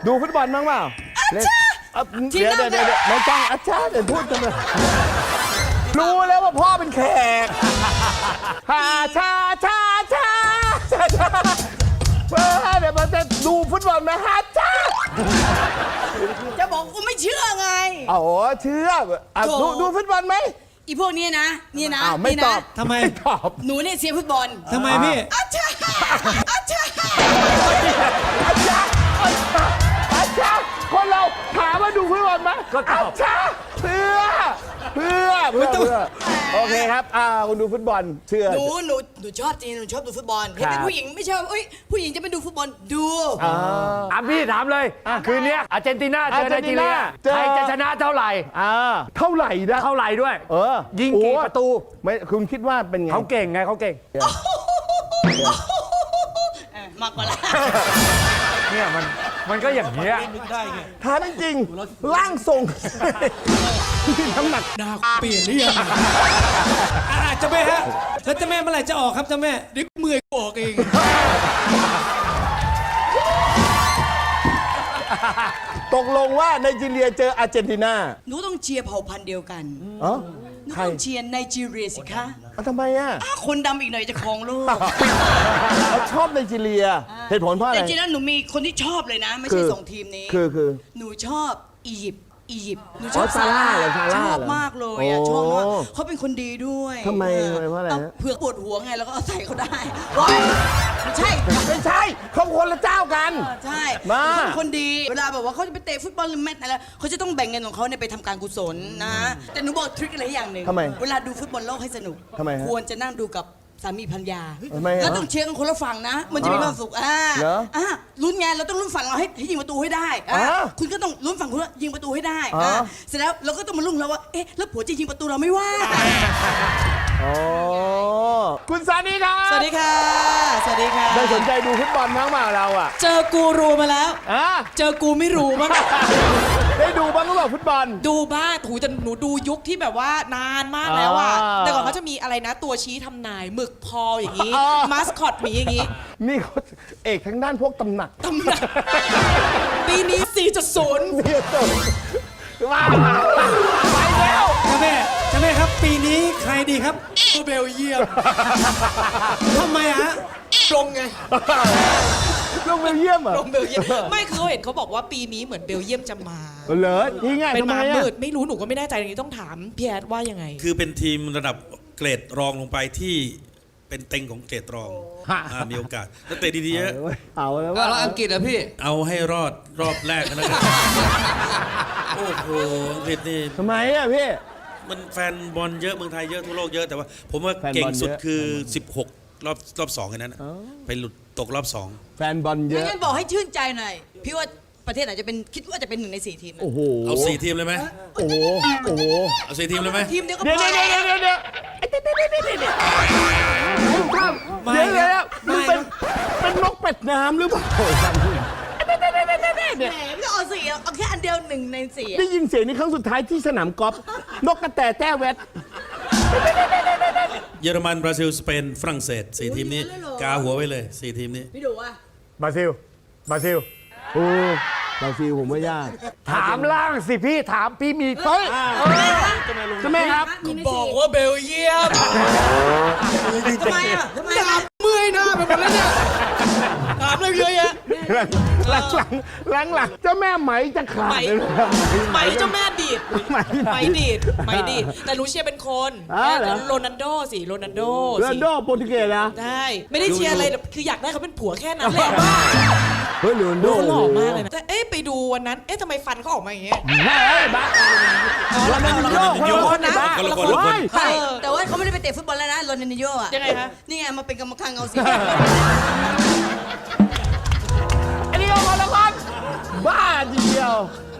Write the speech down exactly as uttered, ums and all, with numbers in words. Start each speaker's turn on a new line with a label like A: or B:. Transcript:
A: ดูฟุตบอลบ้างเปล่าเล่นเดี๋ยวเดี๋ยวเดี๋ยวไม่ต้องอาจารย์เดี๋ยวพูดกันเลยรู้แล้วว่าพ่อเป็นแขกฮาชาชาชาชาชาเพื่อเดี๋ยวมันจะดูฟุตบอลไหมฮาชา
B: จะบอกกูไม่เชื่อไง
A: อ๋อเชื่อดูดูฟุตบอลไหม
B: อีพวกนี้นะนี่นะ
A: ไม่ตอบ
C: ทำไม
A: ไม่ตอบ
B: หนูเนี่ยเชียร์ฟุตบอล
C: ทำไมพี่
B: อาจารย์อาจารย์
A: อาจารย์อาจารย์คนเราถามว่าดูฟุตบอลไหมก็ตอบอาจารย์เพื่อเพื่อเพื่อเพื่อโอเคครับอ่าคุณดูฟุตบอลเชื่อ
B: หนูหนูหนูชอบจริงหนูชอบดูฟุตบอลเห็นเป็นผู้หญิงไม่ใช่เอ้ยผู้หญิงจะไปดูฟุตบอลดู
D: อ่ะพี่ถามเลยคืนนี้อาร์เจนตินาเจอไนจีเรียใครจะชนะเท่าไหร่
A: อ่าเท่าไหร่นะ
D: เท่าไหร่ด้วย
A: เออ
D: ยิงกี่ประตู
A: ไม่คุณคิดว่าเป็นไง
D: เขาเก่งไงเขาเก่ง
B: มากกว่าละ
D: เนี่ยมันมันก็อย่างเงี้ย
A: ถามจริงร่างทรงน้ำหนัก
C: ดาวเปลี่ยนหรือยังอาจจะแม่ฮะแล้วจะแม่เมื่อไหร่จะออกครับจะแม่เดี๋ยวมือออกเอง
A: ตกลงว่าไนจีเรียเจออาร์เจนตินา
B: หนูต้องเชียร์เผ่าพันธุ์เดียวกัน
A: อ๋อ
B: หนูต้องเชียร์ไนจีเรียสิคะ
A: ทำไมอ่ะ
B: คนดำอีกหน่อยจะครองโลก
A: เขาชอบไนจีเรียเหตุผลเพราะอะไร
B: แต่จริงๆแล้วหนูมีคนที่ชอบเลยนะไม่ใช่สองทีมนี้
A: คือคือ
B: หนูชอบอียิปต์อียิปต์หนูช
A: อบซาร่าเลยซาร่า
B: ชอบมากเลยอ่ะชอบมากเขาเป็นคนดีด้วย
A: ทำไมเพราะอะไร
B: เผื่อปวดหัวไงแล้วก็เอาใส่เขาได้ไม่ใช่
A: ไม่ใช่เขาคนละเจ้ากัน
B: ใช่
A: มา
B: คนดีเวลาแบบว่าเขาจะไปเตะฟุตบอลหรือแมตช์อะไรเขาจะต้องแบ่งเงินของเขาเนี่ยไปทำการกุศลนะแต่หนูบอกทริคอะไรอย่างหนึ่งเวลาดูฟุตบอลโลกให้สนุกควรจะนั่งดูกับสามีภรรยาแล้วต้องเชียร์กันคนละฝั่งนะมันจะมีความสุขอ่าอ่าลุ้นไงเราต้องลุ้นฝั่งเราให้ให้ยิงประตูให้ได้อ่าคุณก็ต้องลุ้นฝั่งคุณยิงประตูให้ได้อ่าเสร็จแล้วเราก็ต้องมาลุ้นแล้วว่าเอ๊ะแล้วผัวจะยิงประตูเราไม่ว่า
A: อ๋อคุณซานีครับ
E: สวัสดีค่ะสวัสดีค่ะ
A: ได้สนใจดูฟุตบอลมั้งมาเราอ่ะ
E: เจอกูรูมาแล้วเจอกูไม่รู้มั้ง
A: ได้ดูบ้างหรือเปล่าฟุตบอล
E: ดูบ้างถูจะหนูดูยุคที่แบบว่านานมากแล้วอ่ะแต่ก่อนเขาจะมีอะไรนะตัวชี้ทำนายหมึกพออย่างนี้มาสคอตหมีอย่างนี้
A: นี่เขาเอกทั้งด้านพวกตำหนัก
E: ตำหนักปีนี้ สี่จุดศูนย์
A: ว้าวไปแล้ว
C: เจ้าแม่เจ้าแม่ครับปีนี้ใครดีครับเบลเยียมทำไมฮะ
E: ลงไง
A: ลงเบลเยียมเหรอ
E: ลงเบลเยียมไม่คือเขาเห็นเขาบอกว่าปีนี้เหมือนเบลเยียมจะมา
A: เหรอนี่ไง
E: เป็นมามืดไม่รู้หนูก็ไม่แน่ใจอย่างนี้ต้องถามพี่แอดว่ายังไง
F: คือเป็นทีมระดับเกรดรองลงไปที่เป็นเต็งของเกรดรองมีโอกาสแล้วเตะดีๆเยอะ
A: เอาแล้วว่า
E: แล้วอังกฤษอะพี่
F: เอาให้รอดรอบแรกนะครับโอ้โหอังกฤษนี่
A: ทำไมอะพี่
F: มันแฟนบอลเยอะเมืองไทยเยอะทั่วโลกเยอะแต่ว่าผมว่าเก่งสุดคือสิบหกรอบรอบสองแค่นั้นไปหลุดตกรอบสอง
A: แฟนบอลเยอะ
B: งั้นบอกให้ชื่นใจหน่อยพี่ว่าประเทศไหนจะเป็นคิดว่าจะเป็นหนึ่งในสี่ทีม
A: โอ้โห
F: เอาสี่ทีมเลยไหม
A: โอ้โหโอ้โห
F: เอาสี่ทีมเลยไหม
B: ทีมเดียวก็พอ
A: เดี๋ยวเดี๋ยวเดี๋ยวเดี๋ยวเดี๋ยวเดี๋ยวเดี๋ยวมันเป็นเป็นนกเป็ดน้ำหรือเปล่า
B: แหมไม่ต้องเอาสี่เอาแค่อันเดียวหนึ่งในสี่
A: ได้ยินเสียงนี้ครั้งสุดท้ายที่สนามกอล์ฟนกกระแตแต้แวด
F: เยอรมันบราซิลสเปนฝรั่งเศสสี่ทีมนี้กาหัวไว้เลยสี่ทีมนี้
B: พี่ดูว่า
D: บราซิลบราซิล
A: โอ้บราซิลผมไม่ยาก
D: ถามล่างสิพี่ถามพี่มี
A: เฮ้ยจะแม่ครับ
C: บอกว่าเบลเยียม
B: ทำไมอ่ะทำไม
C: ดาบเมื่อยหน้าไปหมดแล้วเนี่ยถามเรื่องเยอะแยะ
A: หลังหลังหลังหลังเจ้าแม่ไหมจะขาด
E: ไหมเจ้าแม่ดีดไหมดีดไหมดีดแต่รู้เชียร์เป็นคนโรนัลโดสิโรนัลโด
A: โรนัลโดโปรตุเกสนะ
E: ได้ไม่ได้เชียร์อะไรคืออยากได้เขาเป็นผัวแค่นั้นแหละ
A: เฮ้ยโรนัลโด
E: หล่อมากเลยนะแต่เอ๊ะไปดูวันนั้นเอ๊ะทำไมฟันเขาออกมาอย่างเงี้ย
A: เฮ้ยบ้าโรนัลโด
F: คนละคนคนละคน
B: ใช่แต่ว่าเขาไม่ได้ไปเตะฟุตบอลแล้วนะโรนัลโดอ่ะ
E: ยังไงคะ
B: นี่ไงมาเป็นกรรมการเงาสี
A: อันนี้ก็คนละคนบ้าเดียว